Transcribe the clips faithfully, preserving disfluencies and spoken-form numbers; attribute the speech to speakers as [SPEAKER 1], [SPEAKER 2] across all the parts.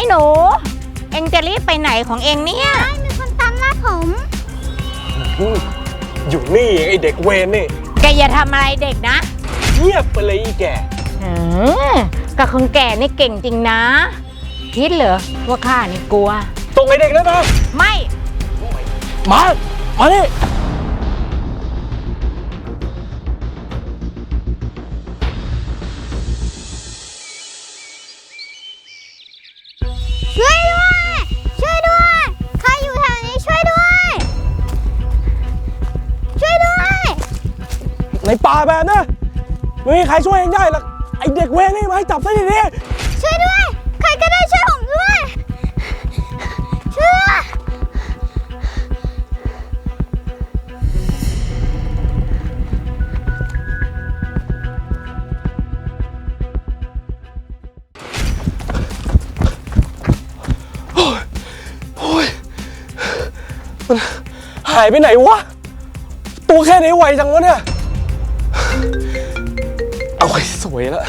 [SPEAKER 1] หนูเอ็งจะรีบไปไหนของเอ็งเนี่ย
[SPEAKER 2] มีคนตามล่าผม
[SPEAKER 3] อยู่นี่ไอเด็กเวรนี่
[SPEAKER 1] แกอย่าทำอะไรเด็กนะ
[SPEAKER 3] เงียบไปเลยอีแก
[SPEAKER 1] อืมกับคนแก่นี่เก่งจริงนะคิดเหรอว่าข้านี่กลัว
[SPEAKER 3] ตรงไอเด็กนั่นนะ
[SPEAKER 1] ไม่
[SPEAKER 3] มามาดิ
[SPEAKER 2] ช่วยด้วยช่วยด้วยใครอยู่แถวนี้ช่วยด้วยช่วยด้วย
[SPEAKER 3] ในป่าแบบนี้ไม่มีใครช่วยเองได้หรอกไอเด็กเวรนี่มาให้จับซะดี
[SPEAKER 2] ๆช่วยด้วยใครก็ได้ช่วยผมด้วยช่วย
[SPEAKER 3] มันหายไปไหนวะตัวแค่นี้ไวจังวะเนี่ยเอาไว้สวยแล้ว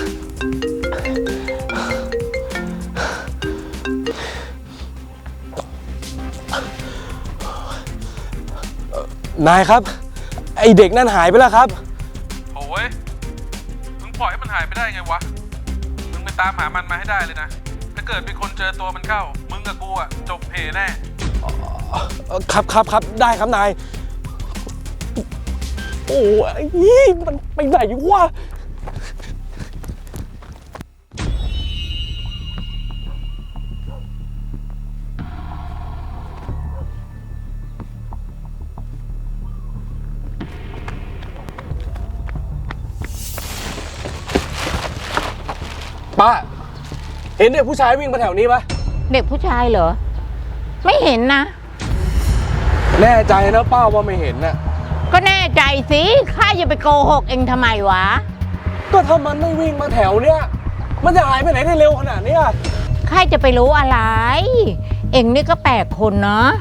[SPEAKER 3] นายครับไอเด็กนั่นหายไปแล้วครับ
[SPEAKER 4] โอ้ยมึงปล่อยให้มันหายไปได้ไงวะมึงไปตามหามันมาให้ได้เลยนะถ้าเกิดมีคนเจอตัวมันเข้ามึงกับกูอะจบเพแน่
[SPEAKER 3] ครับครับครับได้ครับนายโอ้ยมันไปไหนวะป้าเห็นเด็กผู้ชายวิ่งมาแถวนี้ปะ
[SPEAKER 1] เด็กผู้ชายเหรอไม่เห็นนะ
[SPEAKER 3] แน่ใจนะป้าว่าไม่เห็นน่ะ
[SPEAKER 1] ก็แน่ใจสิข้าอย่าไปโกหกเองทำไมวะ
[SPEAKER 3] ก็ถ้ามันไม่วิ่งมาแถวเนี้ยมันจะหายไปไหนได้เร็วขนาดนี้
[SPEAKER 1] ข้าจะไปรู้อะไรเองนี่ก็แปลกคนเนาะ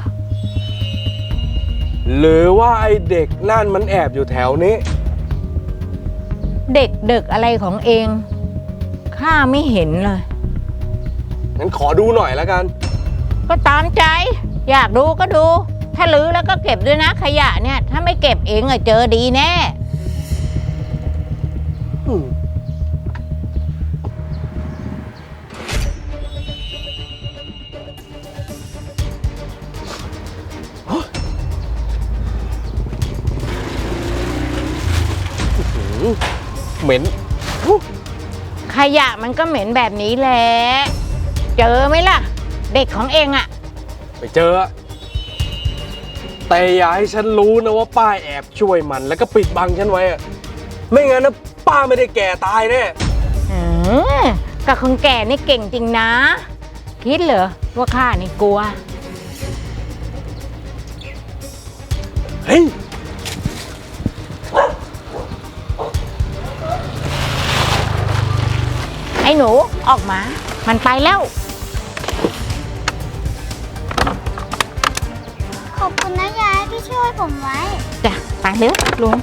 [SPEAKER 3] หรือว่าไอเด็กนั่นมันแอบอยู่แถวนี้
[SPEAKER 1] เด็กเด็กอะไรของเองข้าไม่เห็นเลย
[SPEAKER 3] งั้นขอดูหน่อยแล้วกัน
[SPEAKER 1] ก็ตามใจอยากดูก็ดูถ้าลื้อแล้วก็เก็บด้วยนะขยะเนี่ยถ้าไม่เก็บเองอะเจอดีแน่
[SPEAKER 3] เหม็น
[SPEAKER 1] ขยะมันก็เหม็นแบบนี้แหละเจอไหมล่ะเด็กของเองอะ
[SPEAKER 3] ไปเจอแต่อย่าให้ฉันรู้นะว่าป้าแอบช่วยมันแล้วก็ปิดบังฉันไว้อะไม่งั้นนะป้าไม่ได้แก่ตายแน่
[SPEAKER 1] อืมกับคนแก่นี่เก่งจริงนะคิดเหรอว่าข้านี่กลัว
[SPEAKER 3] เฮ้ย
[SPEAKER 1] ไอ้หนูออกมามันไปแล้ว
[SPEAKER 2] ขอบคุณนะยายที่ช่วยผมไว้
[SPEAKER 1] จ้ะไปเร็วลุง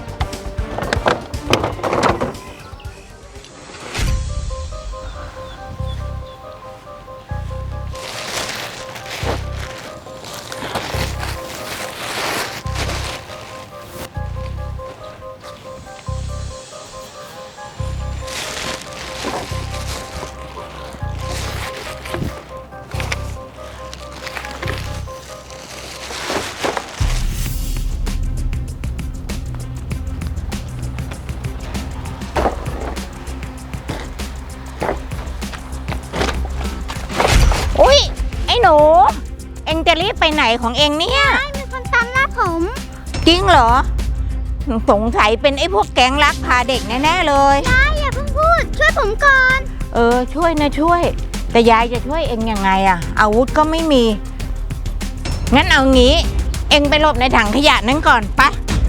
[SPEAKER 1] หนูเอ็งจะรีบไปไหนของเอ็งเนี่ย
[SPEAKER 2] มีคนตามล่าผม
[SPEAKER 1] จริงเหรอสงสัยเป็นไอ้พวกแก๊งลักพาเด็กแน่ๆเลย
[SPEAKER 2] ยายอย่าเพิ่งพูดช่วยผมก่อน
[SPEAKER 1] เออช่วยนะช่วยแต่ยายจะช่วยเอ็งยังไงอะอาวุธก็ไม่มีงั้นเอางี้เอ็งไปหลบในถังขยะนั้นก่อนไป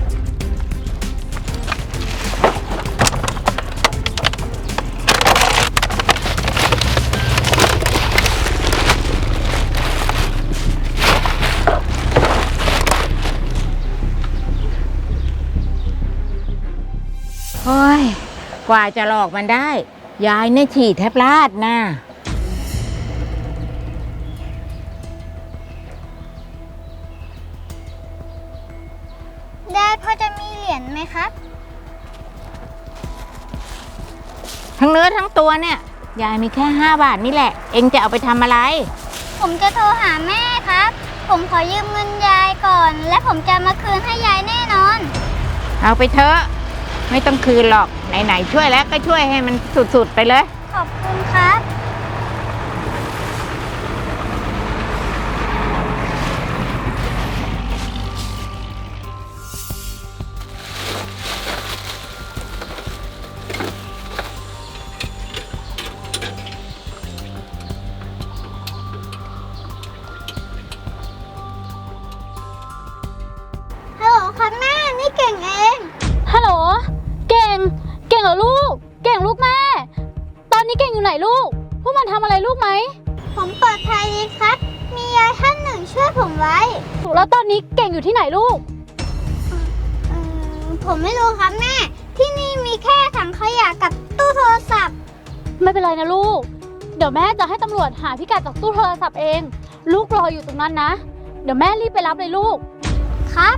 [SPEAKER 1] โอ้ยกว่าจะหลอกมันได้ยายเนี่ยฉี่แทบลาดนะ
[SPEAKER 2] ยายพอจะมีเหรียญไหมครับ
[SPEAKER 1] ทั้งเนื้อทั้งตัวเนี่ยยายมีแค่ห้าบาทนี่แหละ เองจะเอาไปทำอะไร
[SPEAKER 2] ผมจะโทรหาแม่ครับ ผมขอยืมเงินยายก่อน และผมจะมาคืนให้ยายแน่นอน
[SPEAKER 1] เอาไปเถอะไม่ต้องคืนหรอกไหนๆช่วยแล้วก็ช่วยให้มันสุดๆไปเลย
[SPEAKER 2] ขอบคุณครับ ฮัลโหลครับแม่ นี่เก่งเอง
[SPEAKER 5] ฮัลโหล เก่ง เก่งเหรอลูก เก่งลูกแม่ ตอนนี้เก่งอยู่ไหนลูก พวกมันทำอะไรลูกไหม
[SPEAKER 2] ผมปลอดภัยดีครับ มียายท่านหนึ่งช่วยผมไว้
[SPEAKER 5] แล้วตอนนี้เก่งอยู่ที่ไหนลูก
[SPEAKER 2] เอ่อผมไม่รู้ครับแม่ ที่นี่มีแค่ถังขยะกับตู้โทรศัพท์
[SPEAKER 5] ไม่เป็นไรนะลูก เดี๋ยวแม่จะให้ตำรวจหาพิกัดจากตู้โทรศัพท์เอง ลูกรออยู่ตรงนั้นนะ เดี๋ยวแม่รีบไปรับเลยลูก
[SPEAKER 2] ครับ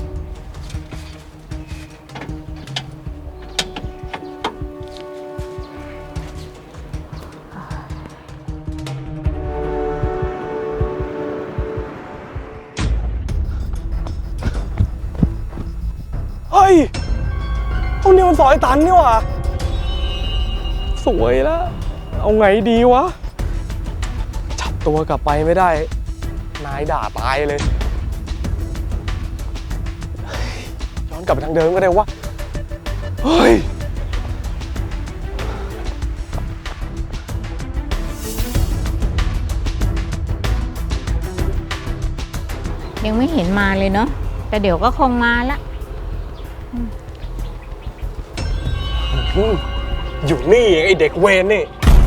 [SPEAKER 3] เฮ้ยพวกนี้มันซอยตันนี่หว่าสวยแล้ว เอาไงดีวะ จับตัวกลับไปไม่ได้ นายด่าตายเลยเฮ้ยย้อนกลับไปทางเดิมก็ได้วะ เฮ้ย
[SPEAKER 1] ยังไม่เห็นมาเลยเนาะแต่เดี๋ยวก็คงมาละ
[SPEAKER 3] อืมอยู่นี่เองไอเด็กเวรนี่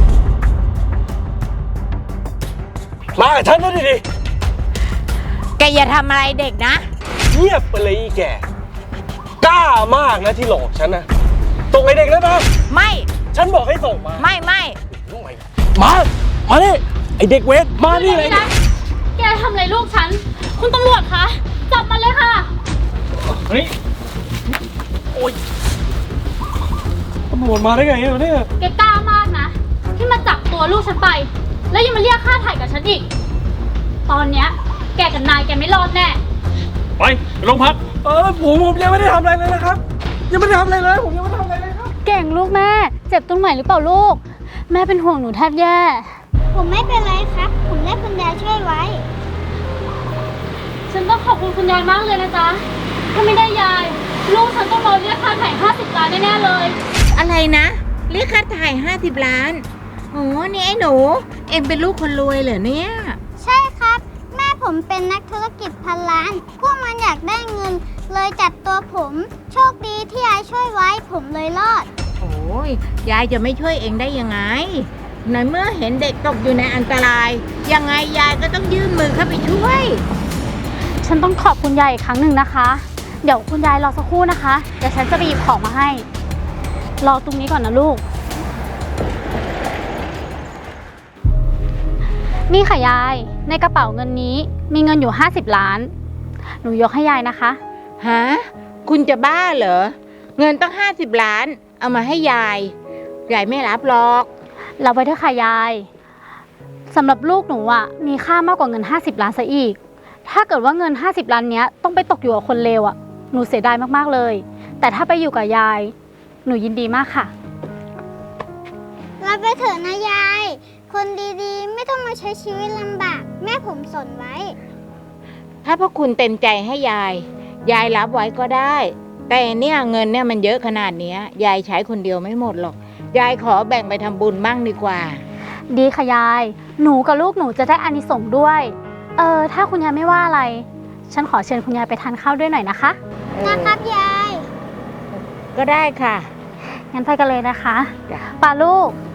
[SPEAKER 3] มากับฉันนะดิดิ
[SPEAKER 1] แกอย่าทำอะไรเด็กนะ
[SPEAKER 3] เงียบไปเลยอีแก กล้ามากนะที่หลอกฉันนะส่งไอเด็กแล้วนะ
[SPEAKER 1] ไม่
[SPEAKER 3] ฉันบอกให้ส่งมา
[SPEAKER 1] ไม่ไม่
[SPEAKER 3] มา มาดิไอเด็กเวรมานี่เลย
[SPEAKER 5] แกทำอะไรลูกฉัน คุณตำรวจคะ จับมันเลยค่ะ
[SPEAKER 3] เฮ้ย โอ๊ยตำรวจมาได้ไงเนี่ย
[SPEAKER 5] แกกล้ามากนะ ที่มาจับตัวลูกฉันไป แล้วยังมาเรียกค่าไถ่กับฉันอีก ตอนเนี้ยแกกับนายแกไม่รอดแน่
[SPEAKER 3] ไปโรงพัก เออผมผมยังไม่ได้ทำอะไรเลยนะครับ ยังไม่ได้ทำอะไรเลย ผมยังไม่ได้ทำอะไรเลยครับ
[SPEAKER 5] เก่งลูกแม่ เจ็บตรงไหนหรือเปล่าลูก แม่เป็นห่วงหนูแทบแย่
[SPEAKER 2] ผมไม่เป็นไรครับ ผมได้คุณยายช่วยไว้
[SPEAKER 5] ฉันต้องขอบคุณคุณยายมากเลยนะจ๊ะ ถ้าไม่ได้ยาย ลูกฉันต้องโดนเรียกค่าไถ่ห้าสิบล้านแน่ๆเลย
[SPEAKER 1] อะไรนะเรียกค่าถ่ายห้าสิบล้านโอ้นี่ไอ้หนู เองเป็นลูกคนรวยเหรอเนี่ย
[SPEAKER 2] ใช่ครับ แม่ผมเป็นนักธุรกิจพันล้าน พวกมันอยากได้เงิน เลยจัดตัวผม โชคดีที่ยายช่วยไว้ ผมเลยรอด
[SPEAKER 1] โอ้ยยายจะไม่ช่วยเองได้ยังไงในเมื่อเห็นเด็กตกอยู่ในอันตราย ยังไงยายก็ต้องยื่นมือเข้าไปช่วย
[SPEAKER 5] ฉันต้องขอบคุณยายอีกครั้งหนึ่งนะคะ เดี๋ยวคุณยายรอสักครู่นะคะ เดี๋ยวฉันจะไปหยิบของมาให้ รอตรงนี้ก่อนนะลูก นี่ค่ะยาย ในกระเป๋าเงินนี้มีเงินอยู่ห้าสิบล้าน หนูยกให้ยายนะคะ
[SPEAKER 1] ฮะ คุณจะบ้าเหรอ เงินต้องห้าสิบล้าน เอามาให้ยาย ยายไม่รับหรอก
[SPEAKER 5] เราไว้เถอะค่ะยายสำหรับลูกหนูอ่ะมีค่ามากกว่าเงินห้าสิบล้านซะอีก ถ้าเกิดว่าเงินห้าสิบล้านเนี้ยต้องไปตกอยู่กับคนเลวอ่ะหนูเสียดายมากๆเลย แต่ถ้าไปอยู่กับยาย หนูยินดีมากค่ะ
[SPEAKER 2] รับไปเถอะนะยาย คนดีๆ ไม่ต้องมาใช้ชีวิตลำบาก แม่ผมสนไว้
[SPEAKER 1] ถ้าพวกคุณเต็มใจให้ยาย ยายรับไว้ก็ได้ แต่เนี่ยเงินเนี่ยมันเยอะขนาดเนี้ยยายใช้คนเดียวไม่หมดหรอก ยายขอแบ่งไปทำบุญบ้างดีกว่า
[SPEAKER 5] ดีค่ะยาย หนูกับลูกหนูจะได้อานิสงส์ด้วย เออถ้าคุณยายไม่ว่าอะไร ฉันขอเชิญคุณยายไปทานข้าวด้วยหน่อยนะคะ
[SPEAKER 2] นะครับยาย
[SPEAKER 1] ก็ได้ค่ะ
[SPEAKER 5] งั้นไปกันเลยนะคะ
[SPEAKER 1] จ้ะ
[SPEAKER 5] ปาลูก